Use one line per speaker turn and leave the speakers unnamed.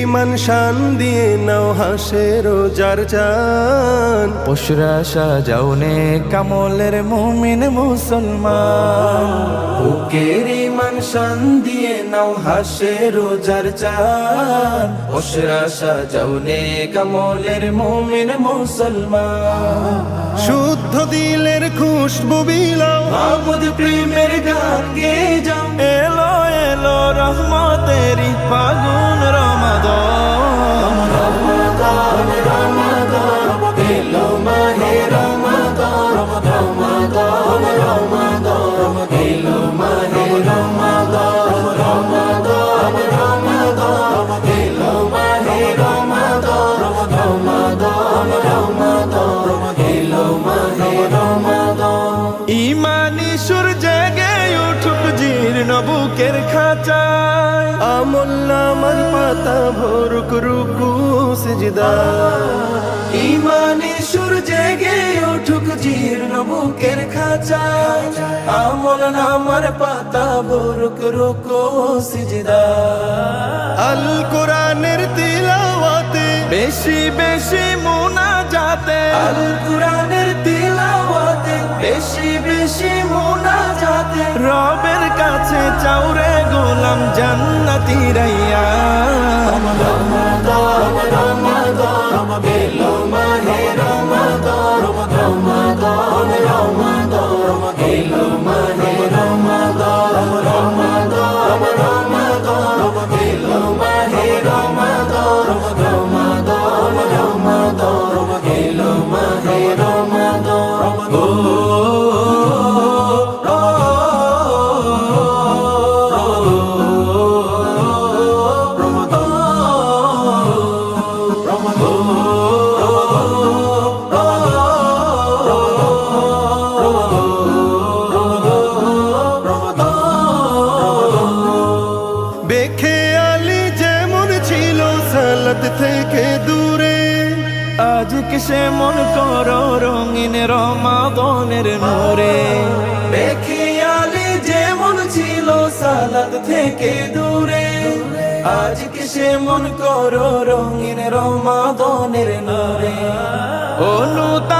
ইমান শান দিয়ে নাও হাসে রোজার চান।
পশুরা সাজাওনে কামলের মুমিন মুসলমান। বুকের ইমান শান দিয়ে নাও হাসে রোজার চান। পশুরা সাজাওনে কামলের মুমিন মুসলমান।
শুদ্ধ দিলের খুশবু বিলাও,
মাবুদ প্রেমের গান গেয়ে যাও। এলো এলো রহমতেরি ফাগুন রমাদান। রমাদান রমাদান এলো মাহে রমাদান। রমাদান রমাদান এলো মাহে রমাদান। রমাদান রমাদান এলো মাহে রমাদান। রমাদান রমাদান এলো মাহে রমাদান। ইমানি সুর জেগে উঠুক জীর্ণ বুকের খাঁচায়।
আমল নামার পাতা ভরুক রুকু সিজদা।
ইমানি সুর জেগে উঠুক জীর্ণ বুকের খাঁচায়। আমল নামার পাতা ভরুক রুকু সিজদা।
আল কোরআনের তিলাওয়াতে
বেশি বেশি মুনাজাতে। আল কুরআনের তিলাওয়াতে বেশি বেশি মুনাজাতে। রবের কাছে চাওরে গোলাম জান্নাতি রাইয়া। রমাদান রমাদান এলো মাহে রমাদান। রমাদান রমাদান এলো মাহে রমাদান। রমাদান রমাদান এলো মাহে রমাদান। রমাদান রমাদান এলো মাহে রমাদান। ও
বেখেয়ালি যেমন ছিল সালাত থেকে দূরে,
আজকে সে মন করো রঙিন রমাদানের নূরে। বেখেয়ালি যেমন ছিল সালাত থেকে দূরে, আজকে সে মন করো রঙিন রমাদানের নূরে। অনুতা